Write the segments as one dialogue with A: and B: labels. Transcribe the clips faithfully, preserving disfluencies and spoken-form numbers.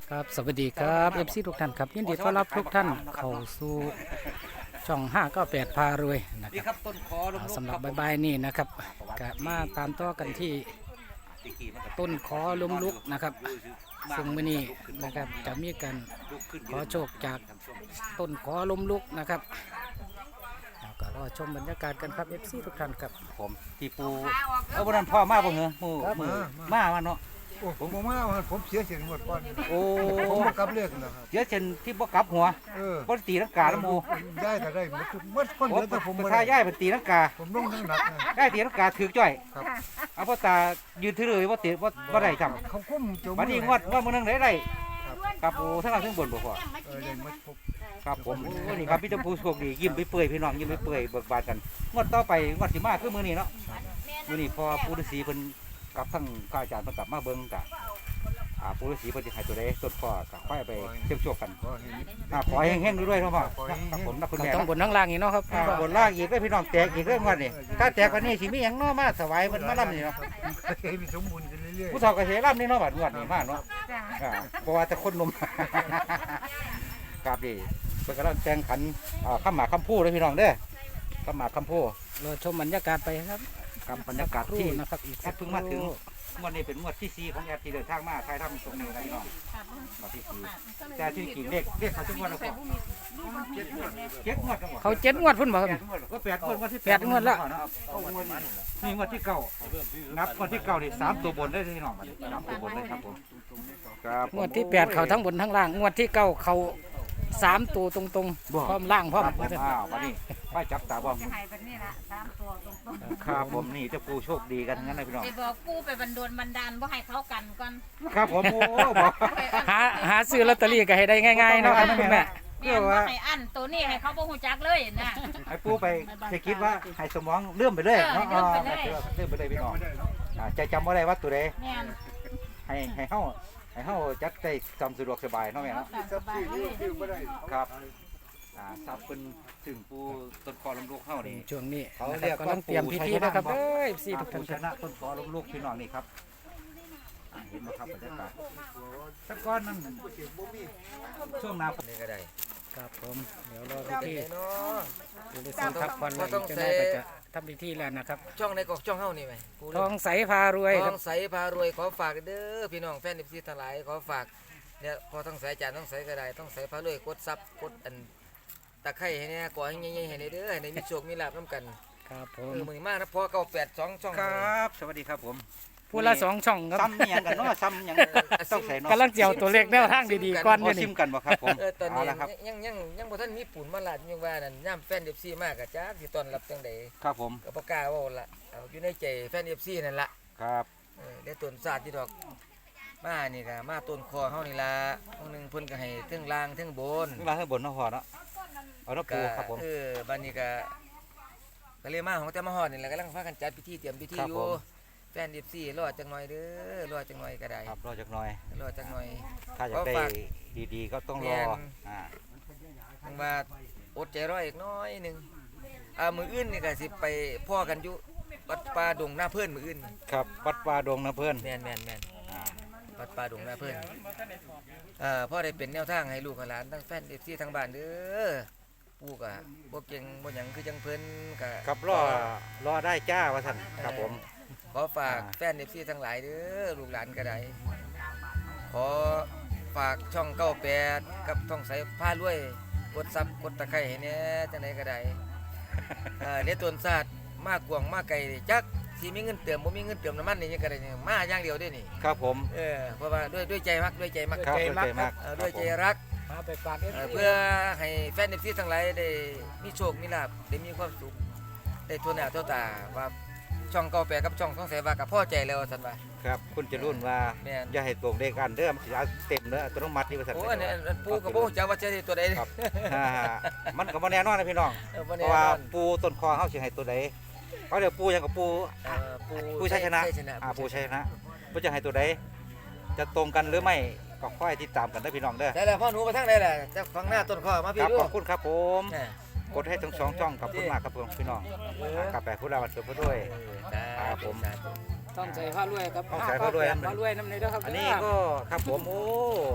A: ครับสวัสดีครับเอฟซีทุกท่านครับยินดีต้อนรับทุกท่านเข้าสู่ช่องห้าเก้าแปดพารวยนะ
B: นี่
A: ค
B: ครับ รับต้นคอลม
A: สำหรับใบๆนี่นะครับกะมาตามต่อกันที่ต้นขอลมลุกนะครับซึ่งมื้อนี้นะครับจะมีการขอโชคจากต้นขอลมลุกนะครับแล้วก็รอชมบรรยากาศกันครับเอฟซีทุกท่านครับ
B: ผมตีปูเอาบนนั้นพ่อมาบ่เหรอมือมือมามาเนาะ
C: โอ้ผมมาว่าผมเสียเสียงหมดก่อน
B: โอ้
C: ผมมากลับเลือกนะครับ
B: เยอะเช่นที่บ่กลับหัว
C: เออ
B: บ่ตีลังกาแล้วมู
C: ย้ายก็ได้หมดทุกหมดคน
B: ผ
C: เห
B: ม
C: ลือแต่ผม
B: เป็น
C: บ่
B: ท่า
C: ได้
B: ย่ายเป็นตีลังกา
C: ผมลงทั้งหนักนะ
B: ย่ายตีลังกาถือจ้อย
C: ครับ
B: เอาพ่อตายืนถือเลยว่าตีว่าบ่ได้จำ
C: เขาคุ้มจม
B: บัดนี้งวดว่ามื้อนึงได้ได้ครับโอ้ทั้งล่างทั้งบนบ่พอ
C: เออได้หมดครบ
B: ครับผมโอ้นี่ครับพี่ตะปูโชคดียิ้มไปเปื่อยพี่น้องยิ้มไปเปื่อยเบิกบานกันงวดต่อไปงวดสิมาคือมื้อนี้เนาะมื้อนี้พอปู่ฤาษีเพิ่นกับทั้งพระอาจารย์เพิ่นกลับมาเบิ่งกะอ่าปู่ฤาษีเพิ่นสิให้ตัวใดต้นข้อก็ค่อยไปเสี่ยงโชคกัน
C: ขอให้
B: อ่าขอให้แห้งๆด้วยๆเนาะพ่อครับผมนักคุณ
A: ก็
B: แม่
A: ต้องบนทั้งล่างอีกเนาะครับ
B: อ่าบนล่างอีกเด้อพี่น้องแตกอีกเรื่องวันนี้ถ้าแตกกว่านี้สิมีหยังเนาะมาถวายเพิ่นมาล่ำนี่เนาะ
C: ให้มีสมบูรณ์กันเรื่อย
B: ผู้เฒ่าก็สิล่ำนี่เนาะบัดงวดนี้มาเนาะอ่าเพราะว่าแต่คนหนม ครับดิเพิ่นกำลังแต่งขันอ่าข้ามหมากข้ามผู้เลยพี่น้องเด้อข้ามหมากข้ามผู้
A: รอชมบรรยากาศไปครับ
B: กับบรรยากาศ
A: ที่
B: ที่
A: นะครับอีก
B: แอดเพิ่งมาถึงงวดนี้เป็นงวดที่สี่ของแอดที่เดินทางมาใครทำตรงนี้นะพี่น้องงวดที่สี่แต่ที่กิ่งเลขเลขเขาทุกงวดแล้วก็เจ็ดงวดเจ็ดงวดแล้วก็
A: เขาเจ็ดงวดพุ่นบ่ครับ
B: แปดงวดก็แปดงวดงวดที่
A: แปดงวดละ
B: เอางวดนี่งวดที่เก้านับงวดที่เก้านี่สามตัวบนได้พี่น้องสามตัวบนเลยครับผมครับ
A: งวดที่แปดเขาทั้งบนทั้งล่างงวดที่เก้าเขาสามตัวตรงๆพร้อมล่างพร้อม
B: ครับผมอ้าววันนี้ไปจับตาบ้อง
D: จะหายแบบนี้ละสามตัวตรงๆ
B: ครับผมนี่เจะปูโชคดีกันทั้งนั้นเลยพี่น้อง
D: ไปบอกกู้ไปบันดลบันดาลว่าให้เขากันก่อน
B: ครับผมโอ้บอก
A: หาหาซื้อลอตเตอรี่ก็ให้ได้ง่ายๆเนาะครับคุณแม่
D: แม่นว่าให้อันตัวนี้ให้เขาบ่ฮู้จักเลยนะ
B: ให้ปูไปจะคิดว่าให้สมองเลื่อมไปเลยเนาะ
D: เออเลื่อมไปเลย
B: เลื่อมไปเลยพี่น้องอ่าใจจำว่าได้ว่าตัวใด
D: แม่น
B: ให้ให้เฮาให้เฮาจัดได้จำสะดวกสบายเนาะแม่เนาะ
D: สบายเลย
C: ๆคือบ่ได้
B: ครับอ่าทราบเป็นถึงปูต้นคอลำลูกเฮานี่
A: ช่วงนี้
B: เขา
A: นะค
B: เรี
A: รั
B: ย
A: บ
B: ก
A: กำลังเตรียมพิธีนะครับ
B: ว่า
A: เอ้ยสี่
B: อ่า
A: ทุกท่า
B: ปู
A: นค
B: ช
A: รับ
B: นะต้นคอลำลูกพี่น้องนี่ครับอ่าเห็นไหมครับบรรยากาศแตะก้อนนั่นช่วงหน้าฝนนี่ก็ได้
A: ครับผมเดี๋ยวรอพิธี
E: เนาะ
A: ดูดิสิครับควันไหล
E: บ่ต้อง
A: จะ
E: ใส่
A: ได้ก็จะทำพิธีแล้วนะครับ
E: ช่องในกอกช่องเฮานี่ไหมกู
A: ท
E: เด้
A: องใสพารวย
E: ท
A: ครั
E: อบ งใสพารวยขอฝากเด้อพี่น้องแฟนเอฟซีทั้งหลายขอฝากเนี่ยพอต้องใสจานต้องใสก็ได้ต้องใสพารวยกดซับกดอันตะไคร้ให้เนี่ยก่อให้ใหญ่ๆให้เด้อให้ได้มีโชคมีลาภนํกัน
A: ครับผ
E: เอ
A: ม
E: อมื้อนี้มานะพอเก้าแปดสองช่อง
B: ครับ สวัสดีครับผม
A: ผู้ละสองช่องครับ
B: ซ้ำเนี่ยงกันเนาะซ้ำหยังต้องใส่เนาะ
A: กำลังเจียวตัวเลขแนวทางดีๆก่อน
B: พ
A: อ
B: อยู่ ซิ
A: นี่
B: มกันบ่ครับผม
E: เออตอน
B: เอา
E: นี้
B: ละครับ
E: ยังยังยังบ่ทันมีปูนมาลาดยังว่านั่นย่ามแฟนเอฟซีมากก็จักสิต้อนรับจังได๋
B: ครับผม
E: ก็บ่กล้าเว้าละเอาอยู่ในใจแฟนเอฟซีนั่นล่ะ
B: ครับ
E: เออได้ต้นศาสตร์ที่ดอกมานี่ก็มาต้นคอเฮานี่ล่ะมื้อหนึงเพิ่นก็ให้เทั้งล่างเทั้งบน
B: เวลาให้บนเนาะพอเนาะเอาเนาะปู
E: ก็
B: ครับผม
E: เออบัดนี้ก็ก็เลยมาของแต่มาฮอดนี่แหละกำลังพากันจัดพิธีเตรียมพิธี
B: ครับ
E: อ
B: ผ
E: ยู่
B: ม
E: แฟน เอฟ ซี รอจังหน่อยเด้อรอจังหน่อยก็ได้
B: ครับรอจักหน่อย
E: รอจังหน่อย
B: ถ้าอยากได้ดีๆก็ต้องรอ
E: แม่น
B: อ่า
E: จังว่าอดใจรออีกน้อยหนึงอ่ามื้ออื่นนี่ก็สิไปพ่อกันอยู่วัดป่าดงหน้าเพิ่นมื้ออื่น
B: ครับวัดป่าดงนะเพื่อน
E: แม่นแม่นแม่น
B: อ่า
E: วัดป่าดงหน้าเพิ่นเอ่อพ่อได้เป็นแนวทางให้ลูกให้หลานทั้งแฟน เอฟ ซี ทั้งบ้านเด้อปู่ก็บ่เก่งบ่หยังคือจังเพิ่นก็
B: ครับรอรอได้จ้าว่าท่านครับผม
E: ขอฝาก
B: อ่า
E: แฟน เอฟ ซี ทั้งหลายเด้อลูกหลานก็ได้ขอฝากช่องเก้าแปดกับช่องสายผ้ารวยกดซับกดตะไคร้ให้แหน่จังไดก็ได้ เอ่อในต้นศาสตร์มากกวางมากไกลนี่จักสิมีเงินเติมบ่มีเงินเติมน้ำมันนี่ยังก็ได้นี่มาอย่างเดียวเด้นี่
B: ครับผม
E: เออเพราะว่าด้วยด้วยใจมักด้วยใจมัก
B: ครับ
E: ใจมัก
B: ด้วยใจมัก
E: เออด้วยใจ
B: ครับผม
E: รัก
A: มาไปฝาก
E: เอ่อเพื่อให้แฟน เอฟ ซี ทั้งหลายได้มีโชคมีลาภได้มีความสุขได้ทั่วหน้าทั่วตาว่าช่องเก้าแปดกับช่องสองแสนว่ากับพ่อใจแล้วสันว่า
B: ครับคุณจะรุ่นว่า
E: แม่น
B: อย่าให้ตรงเด็กกันเด้อมันสิเอาเต็มเด้ออัตโนมัตินี่ว่าซั่น
E: โอ้อันนี้อันปูกับปูจะว่าจะได้ตัวใด
B: ครับอ่ามันก็บ่แน่นอนนะพี่น้อง
E: เออบ่
B: เพ
E: แน่
B: ราะ
E: น
B: ว่า
E: อน
B: ปูต้นคอเฮาสิให้ตัวใดเขาเดี๋ยวปูหยังกับปู
E: เอ่อปู
B: ปูชัยชนะ
E: ชัยชนะ
B: อ่าปูชัยชนะปูจะให้ตัวใดจะตรงกันหรือไม่ก็ค่อยติดตามกันเด้อพี่น้องเด้อ
E: ได้แล้วพ่อหนูมาทางใดล่ะจะฟังหน้าต้นข้อมา
B: ค
E: พี่
B: รับ
E: ดู
B: ขอบคุณครับผม
E: น่ะ
B: กดให้ทั้งสองช่องขอบคุณมากครับผมพี่น้องอ่ากลับไปพูดเราวันเกิดพูดด้วย
E: เออ
B: ครับผม
E: สาธุ
A: ต้องใส่ผ้ารวยครับ
B: ต้องใส่ผ้ารวย
A: ผ้ารวยน้ำในเด้อครับ
B: อันนี้ก็ครับผมโอ้อ่า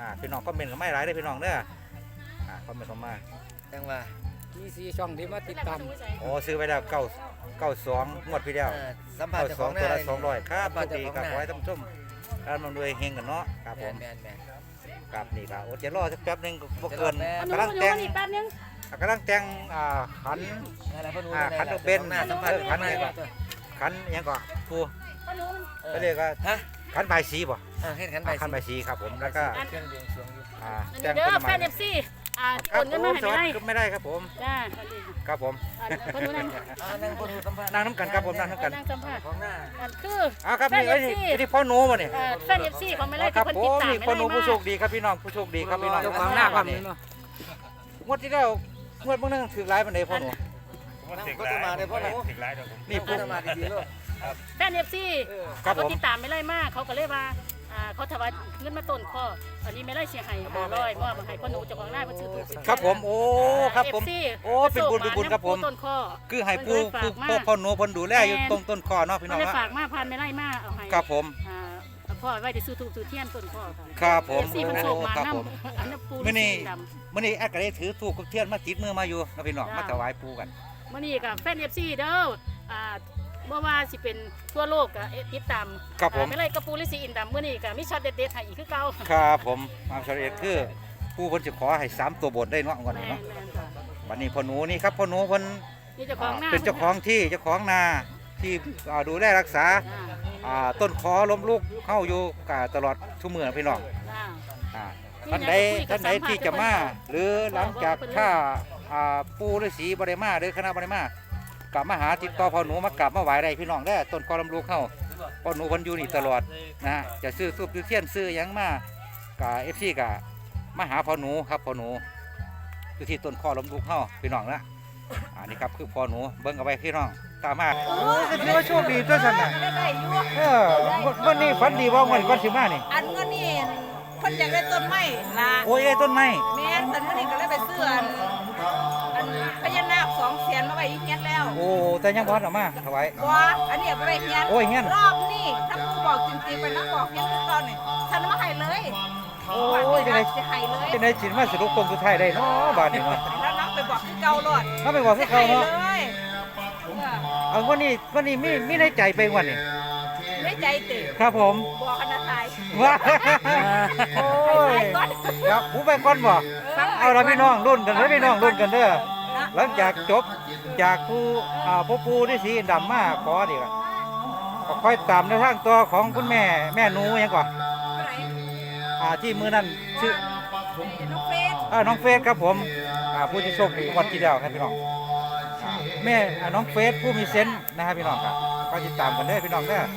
B: พี่น้องก็เมนต์กันไม่ร้ายได้อพี่น้องเด้ออ่าคอมเมนต์เข้ามา
E: จังว่า
A: มีสี่ช่องที่มาติดตาม
B: โอ้ซื้อไปแล้วเก้าเก้าสองงวดพี่เดียว
E: เออสัมผัส
B: เก้า
E: เจ้า
B: ส
E: ข
B: อ
E: อง งห
B: ตัว
E: น้า
B: ละสองร้อยครับ
E: สัมผัส
B: ดี
E: เจ้าของ
B: ครับ
E: หน้า
B: ขอให้ท่านผู้ชมการมันรวยเฮงกันเนาะครับผ
E: แม่
B: ม
E: นแม่นแม่น
B: ครับนี่ครับโอ้จะรอสักแป๊บหนึงบ่
E: จะร
B: เกิ
E: อน แป๊บ
B: กำลังแต่ง
D: แป๊บนึง
B: กำลังแต่งอ่าขัน
E: นั่นแหละพ่อหนู
B: อ่า
E: นั่นแหละ
B: ขันดอกเบน
E: หน้าสัมผัส
B: เออขัน
E: หน้า
B: อะไร
E: ก่
B: ก่
E: อ
B: อน น ขันอิหยังก่อนครู
E: เออ
B: เขาเรียกว่า
E: ฮะ
B: ขันใบายสีบ่
E: เออเฮ็ดขันใบ
B: ขันใบายสีครับผมแล้วก็
E: เครื่องดวงสรวงอยู่
B: อ่า
F: อัน
B: แต่
F: นี้
B: ง
F: เด้
B: ต้
F: อน แฟ
B: ไม้
F: นเอฟซีอ่า
B: ครั
F: โอ
B: บ
F: นเงิน
B: ผ
F: มาม ให้
B: สวัส
F: ไม่
B: ดี
F: ได้
B: ก็ไม่ได้ครับผม
F: จ้า
B: ครับผม
F: อันคนนู้นนั่น
E: อ่านั่งพ่อหนูสัมผัส
B: นั่งน้ำกันครับผมนั่งน้ำกัน
F: นั่งสัมภาษณ์
E: ของหน้า
F: อันคือ
B: อ้าวครับนี่
F: แฟ
B: เอ้
F: น
B: ย
F: เอฟ
B: นี่
F: ซี
B: ที่พ่อหนูมาเนี่ย
F: เอ่อแฟนเอฟซีของไม่ไล่
B: ค
F: ที่
B: รับ
F: คน
B: ผ
F: ติด
B: ม
F: ตาม
B: นี่
F: ไม่
B: พ่อหนู
F: ไล่
B: ผู้โช
F: มา
B: คดีครับพี่น้องผู้โชคดีครับพี่น้อง
A: เจ้าของหน้าความนี้เนาะ
B: งวดที่แล้วงวดเมื่อนึงถือร้ายมันเลยพ่อหนู
E: นั่งก็จะมาเลยพ่อหนู
B: นี่
E: ก็
B: ปุ๊บ
E: จะมาดีๆลูก
F: แฟนเอฟซี
B: ครับ
F: เขา
B: ผม
F: ติดตามไม่ไล่มากเขาก็เลยว่าอ่าเขาถวายเงินมาต้นข้ออันนี้ไม่ไล่เสียหายห้าร้อยมอบมาให้พ่อหนูเจ้าของหน้าเพิ่นซื้อถูก
B: ครับผมโอ้ครับผม
F: เอฟซี
B: โอ้เป็นบุญเป็นบุญครับผม
F: ต้นข้อ
B: คือให้ปูปูพ่อพ่อหนูเพ่นดูแลอยู่ตรงต้นคอเนาะพี่น้
F: เขา
B: อง
F: เลย
B: นะ
F: ฝากมาพันไม่ไล่มาเอาให้
B: ครับผม
F: อ่าพ่อไว้ได้ซื้อถูกซื้อเทียนต้นข้อค่ะ
B: ครับผม
F: เอฟซีเพิ่นโชคมา
B: ครับ
F: นํ
B: ผม
F: อันนั้นปู
B: มื้อนี้
F: สีดำ
B: มื่อนี้แอดก็ได้ถือถูกกับเทียนมาติดมือมาอยู่นะพี่น้อง
F: จ้าม
B: มาถวายปูกัน
F: มื่อนี้กับแฟนเอฟซีเด้ออ่าเมื่อว่าสิเป็นทั่วโลกกับติดตาม
B: ครับผม
F: อ่าไม่ไรกระปูลิสีอินดำมื่อนี้กับมิช็อตเด็ดๆให้อีกคือเก่า
B: ครับผมมาชาเอ็ดคือผู้เพิ่นจะขอให้สามตัวบนได้เนาะก่อน
F: แม่
B: เนาะ
F: นแม่นจ้ะ
B: วันนี้พ่อหนูนี่ครับพ่อหนูเพิ่น
F: นี่เจ้าของหน้า
B: เป็นเจ้าของที่เจ้าของนาที่อ่าดูแลรักษา
F: จ้า
B: อ่าต้นคอล้มลุกเข้าอยู่กตลอดทุกเมื่อพี่น้อง
F: จ้า
B: อ่าท่านใดท่านใดที่จะมาหรือหลังจากถ้าอ่าปูฤาษีบริมาหรือคณะบริมากลับมาหาติดต่อพ่อหนูมากลับมาไหว้ได้พี่น้องได้อต้นคอล้มลุกเข้าพ่อหนูเพิ่นอยู่นี่ตลอดนะจะซื้อทูบซื้อเทียนซื้อหยังมากับเอฟซีกับมาหาพ่อหนูครับพ่อหนูอยู่ที่ต้นคอล้มลุกเข้าพี่น้องนะอันนี้ครับคือพ่อหนูเบิ่งเอาไว้พี่น้องตามมาโอ้ยถือว่าโชคดีตัวฉันน่ะ
D: ได้อยู่
B: เออวันนี้ฝันดีว่าวันก่อนสิมานี่
D: อันก็นี่เพิ่นอยากได้ต้นไม้ล่ะ
B: โอ้ยได้ต้นไม้
D: แม่นแต่มื้อนี้ก็เลยไปซื้ออันอันพญานาคสองเสียนมาไว้อีกเฮียนแล้ว
B: โอ้แต่ยังบ่ทันเออกมาถวาย
D: บ่อันนี้เอาไปไว้เฮียน
B: โอ้ยเฮียน
D: รอบนี้ถ้าผู้บอกจริงๆไปนักบอกเฮียนคือก่อนนี่ฉันเอามาให้เลย
B: โอ้ยจังได๋
D: จะให้เลย
B: จังได๋สิมาสรุปโคงสุดท้ายได้เนาะบาดนี้เนาะ
D: แล้วนักไปบอกคือเก่าโลด
B: ถ้าไปบอกคือเขาเนาะ
D: จะให้เลยเออ
B: เอาวันนี้วันนี้มีมีในใจไปวันนี้
D: ไม่ใจติ
B: ครับผม
D: บอกคณะไทย
B: ว้าโอ้ย
D: ไปก่อน
B: ครับผู้ไปก่อนบ่เอาละพี่น้องรุ่นกันเด้อพี่น้องรุ่นกันเด้อหลังจากจบจากผู้อ่าพ่อปู่ที่สีดำมาขอนี่ก็ก็ค่อยตามในทางตัวของคุณแม่แม่หนูหยังก่อนอ่าที่มื้อนั้นชื่อ
D: น้องเฟส
B: อ่าน้องเฟสครับผมอ่าผู้ที่โชคดีวันที่แล้วครับพี่น้องอ่าแม่อ่าน้องเฟสผู้มีเซนส์นะครับพี่น้องครับก็ติดตามกันเด้อพี่น้องเด้อ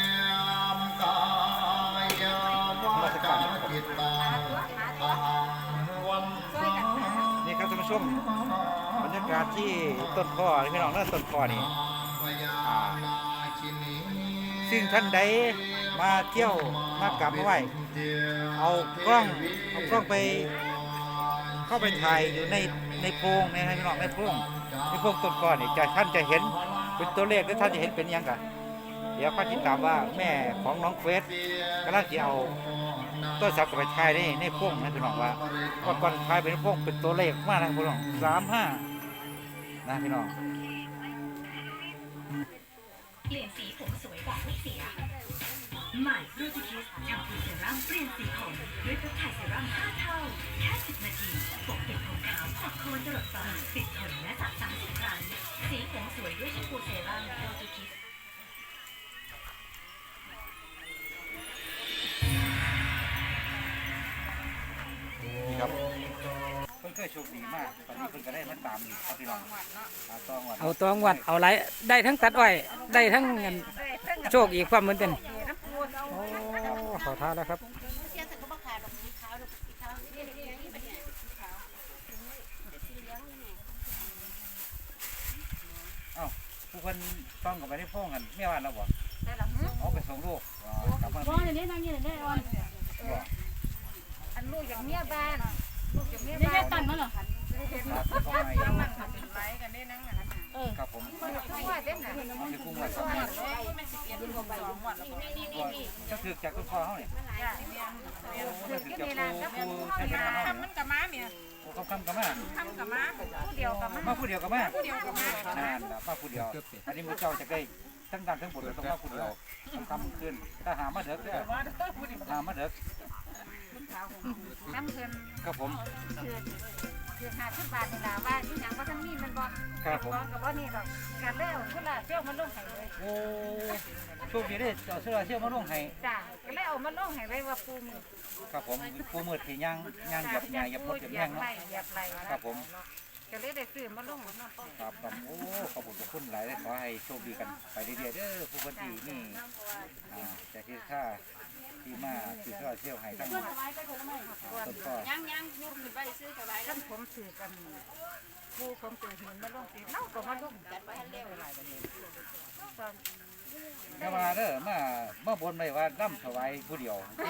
B: มาสักการครับผมนี่ครับท่านผู้ชมบรรยากาศที่ต้นคอนี่พี่น้องเด้อต้นคอนี่อ่าซึ่งท่านใดมาเที่ยวมากราบมาไหว้เอากล้องเอากล้องไป เข้าไปถ่ายอยู่ในในโพรงในพี่น้องในโพรงในโพรงต้นก้อนนี่จะท่านจะเห็นเป็นตัวเลขหรือท่านจะเห็นเป็นหยังกันเดี๋ยวข้าติดตามว่าแม่ของน้องเฟสกำลังจะเอาต้นสับกับไปถ่ายในในโพรงนะพี่น้องว่าก่อนก่อนถ่ายเป็นโพรงเป็นตัวเลขมากนะพี่น้องสามห้านะพี่น้อง
G: เปลี่ยนสีผมสวยแบบไม่เสียใหม่รูติคิสแชมพูเซรั่มเปลี่ยนสีผมด้วยเพปไทด์เซรั่มห้าเท่าแค่สิบนาทีปกปิดผมขาวจากโคนจรดฟ้าปิดขนและสระสามสิบครั้งสีผมสวยด้วยแชมพูเซรั่มรูติคิส
B: นี่ครับเพิ่นเคยโชคดีมากตอนนี้เพิ่นก็ได้มาตามอีกครับพี่น้องอ่าต้องวัด
A: เอาตัวงวดเอาไรได้ทั้งตัดอ้อยได้ทั้งเงินโชคอีกความเหมือนกันโอ้ขอท้าแล้วครับ
B: เอ้าผู้คนต้องกับไปได้พ้องกันเมียวันแล้วบ่เอาไปส่งลูกอ๋อกลับมา
F: บ่เดี๋ยวนี้นั่งอยู่ได้อ่อน
D: อันลูกอย่างเมียบ้านลูกอย่างเมีย
F: นี่
D: บ้า
F: แค่
D: น
F: ตันมั้งเหรอ
D: เ
B: ครับเข้ามาอีก
D: มันทำเป็นไรกันได้นั่งอ่ะ
B: ครับผม
D: ว่าเต้นน่ะ
B: เอาไปกุ้งไว้ครับ
D: ไม่สิบเอ็ดสองวันแล้วก็
B: ก็ถือจากต้นคอเขาเนี่ย
D: ถือกินนี่นะก็ผู้ใช้งานทำมันกับม้าเมีย
B: โอ้เขาคำกับมา
D: ทำกับม้าผู้เดียวกับม้า
B: มาผู้เดียวกับมา
D: ผู้เดียวกับม้า
B: นั่นแหละมาผู้เดียวอันนี้มือเจ้าจะได้ทั้งดันทั้งบนเลยต้องมาผู้เดียวต้องคำขึ้นถ้าหามาเด็กเนี่ยหามาเด็ก
D: น้ำเพิ่น
B: ครับผม
D: คือคือห้าสิบบาทนี่ล่ะว่าที่หยังว่าท่านมีมันบ่
B: ครับผม
D: บ่กับบ่นี่ดอกกันแล้วพุ่นล่ะเที่ยวมันลงให้เลย
B: โอ้โชคดีได้เอาเสื้อเชี่ยวมาลงให้
D: จ้าก็เลยเอามาลงให้ไว้ว่าปูมือ
B: ครับผมปูมืดที่ย่างย่างหยับใหญ่หยับมดหยับ
D: เหยี
B: แห้
D: ย
B: ง
D: บ
B: เนาะ
D: ไหลเหยียบไหล
B: ครับผม
D: ก็เลยได้ซื้อมาลงเนาะ
B: ครับครับโอ้ขอบคุณขอบคุณหลายเลยขอให้โชคดีกันไปเรื่อยๆเด้อผู้คนที่นี่อ่าแต่ที่ค่าที่มาสื่อสารเชี่ยวให้ทั้งต้นก็
D: ยังยังยกขึ้นไปซื้อกับไว้ท่านผมซื้อกันปูผมซื้อหินมาลงสิเนาะก็มาลงจัดไว้ให้เร็วหลายบัดนี้
B: ถ้ามาเด้อมามาบนไปว่าร่ำถวายผู้เดียวกิน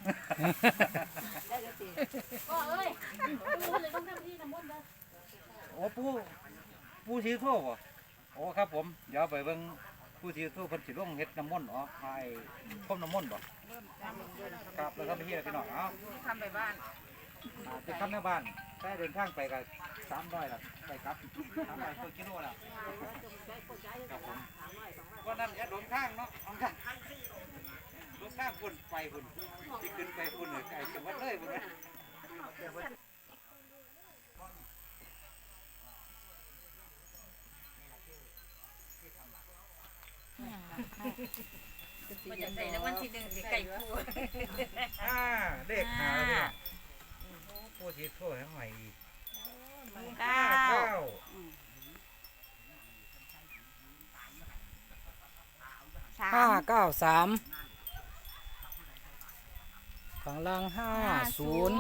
F: ก็เอ้ยปูเลยต้องทำที่น้ำมนต์เด้อ
B: โอ้ปูปูสีโทบ่โอ้ครับผมเดี๋ยวไปเบิ่งปูสีโทเพิ่นสิลงเฮ็ดน้ำมนต์อ๋อพายพรมน้ำมนต์บ่ครับแล้วก็ไปเฮ็ดพี่น้องเอ้า
D: ทำไปบ้าน
B: อ่าจะกลับแม่บ้านได้เดินทางไปก็สามร้อยละไปกลับสามร้อยกิโลละครับผมวันนั้นแอดหลงทางเนาะหลงทางหลงทางพุ่นไปพุ่นที่ขึ้นไปพุ่นเลยไอ้จังหวัดเลยพุ่นนะ
D: มันจะใส่แล้ววันที่หนึ่งสิไก่ปู
B: อ่าเลขหาแล้วเนี่ยโอ้ปูสีโททั้งใหม่อีก
D: เก้า
B: เก้า
D: สา
A: ห้าม เก้าสามฝั่งล่างห้าศูนย์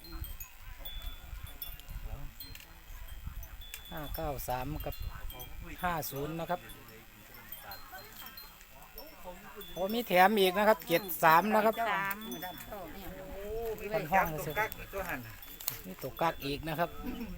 A: ห้าเก้าสามกับห้าศูนย์นะครับโอ้มีแถมอีกนะครับเจ็ดสามนะครับ
D: สาม
B: โอ้มีเลขจับตัวกักอีกตัวหัน
A: นี่ตกกักอีกนะครับ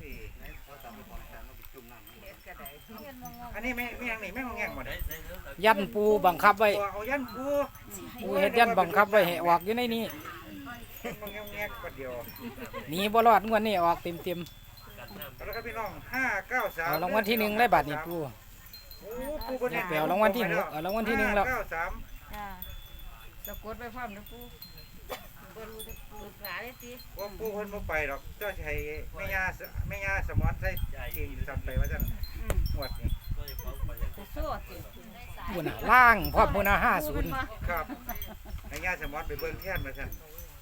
B: อันนี้ไม่ไม่ยังนี่ไม่งงแงงหมดเลย
A: ยันปูบังคับไว้
B: ตัวเอายันปู
A: ปูเฮ็ดยันบังคับไว้ให้ออกอยู่ในนี้
B: มันงงแงงประเดียว
A: หนีบ่รอดงวดนี้ออกเต็มเต็ม
B: แล้วก็พี่น้องห้าเก้า
A: ๆ
B: สาม
A: เอารางวัลที่หนึ่งได้บัตรนี่ปู
B: โอ้ปูบนเนี่ย
A: ไปเอารางวัลที่หกเอารางวัลที่หนึ่งแล้ว
B: เก้าสาม
D: จ้าสะกดไปพร้อมนะปูบรูจะปลูกหลาได้สิ
B: ว่าปูคนบ่ไปหรอกเจ้าใช้แม่ยาแม่ยาสมอนใส่เก่งสั่นไปว่าจังหวดนี่
D: จะสู้สิ
A: ปูน่ะล่างพร้อมปูน่ะห้าศูนย์
B: ครับแม่ยาสมอนไปเบิ่งแท่นมาสั่น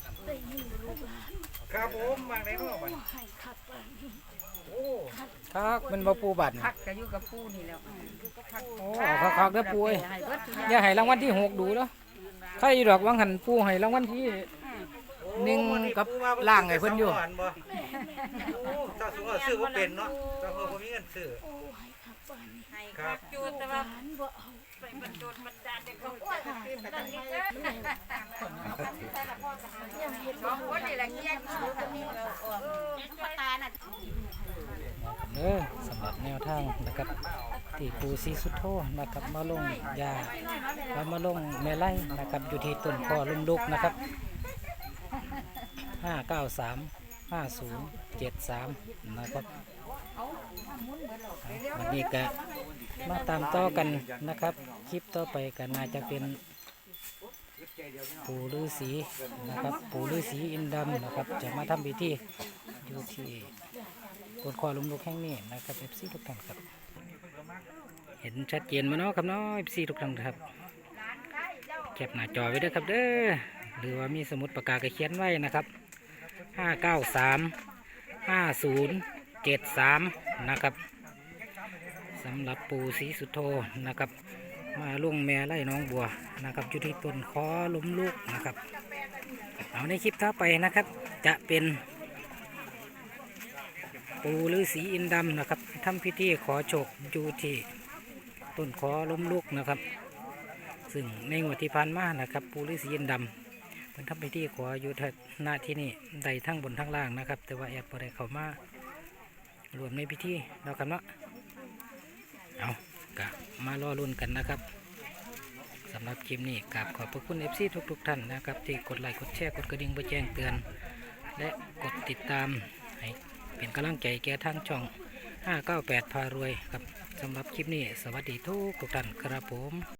B: ครับผมบางในนอกมันโอ้
A: ครับมันบ่ปูบัตรนี่
D: พักก็อยู่กับปูนี่แล้ว
A: โอ้เอาคักๆเด้อปูเอ้ย
D: ให้เบิดทุกอ
A: อย่าให้รางวัลที่หกดูเด้อใครดอกวังหันปูให้รางวัลที่ หนึ่งกับล่างไอ้เพิ่นอยู่
B: โอ้เจ้าสูงเอาซื้อบ่เป็นเนาะเจ้าเพิ่นบ่มีเงินซื้อ
D: ให้ครับจูดแต่ว่าไปบรรจุบรรดาเด็กเขาอ้วนขึ้นตั้งนี้เด้อสองคนนี่แหละเกี้ยชูกันนี่เราออกปตาน่ะ
A: เด้อสำหรับแนวทางนะครับที่ปูซีสุดโทนะครับมาลงยาแล้วมาลงแม่ไล่นะครับอยู่ที่ต้นคอลุ่มลุกนะครับห้าเก้าสามห้าศูนย์เจ็ดสามนะครับวันนี้ก็มาตามต่อกันนะครับ คลิปต่อไปก็น่าจะเป็นปู่ฤาษีนะครับปู่ฤาษีอินดำนะครับจะมาทำพิธีอยู่ที่ต้นคอลุ่มลุกแห่งนี้นะครับเอฟซีทุกท่านครับ เห็นชัดเจนมาเนาะครับเนาะเอฟซีทุกท่านครับแคปหน้าจอไว้ด้วยครับเด้อหรือว่ามีสมุดปากกาก็เขียนไว้นะครับห้าเก้าสามห้าศูนย์เจ็ดสามนะครับสำหรับปู่ศรีสุโธนะครับมาลุงแม่ไล่น้องบัวนะครับอยู่ที่ต้นคอล้มลูกนะครับเอาในคลิปต่อไปนะครับ จะเป็นปู่ฤาษีอินดำนะครับทำพิธีขอโชคอยู่ที่ต้นคอล้มลูกนะครับ ซึ่งในงวดที่ผ่านมานะครับปู่ฤาษีอินดำเป็นทำพิธีขออยู่หน้าที่นี่ใดทั้งบนทั้งล่างนะครับ แต่ว่าแอบบ่ได้เข้ามารวมในพิธีแล้วครับเนาะเอากะมารอรุ่นกันนะครับสำหรับคลิปนี้กราบขอบพระคุณ เอฟ ซี ทุกๆท่านนะครับที่กดไลค์กดแชร์กดกระดิ่งเพื่อแจ้งเตือน และกดติดตามให้เป็นกำลังใจแก่ทางช่องห้าเก้าแปดพารวยครับสำหรับคลิปนี้สวัสดีทุกทุกท่านครับผม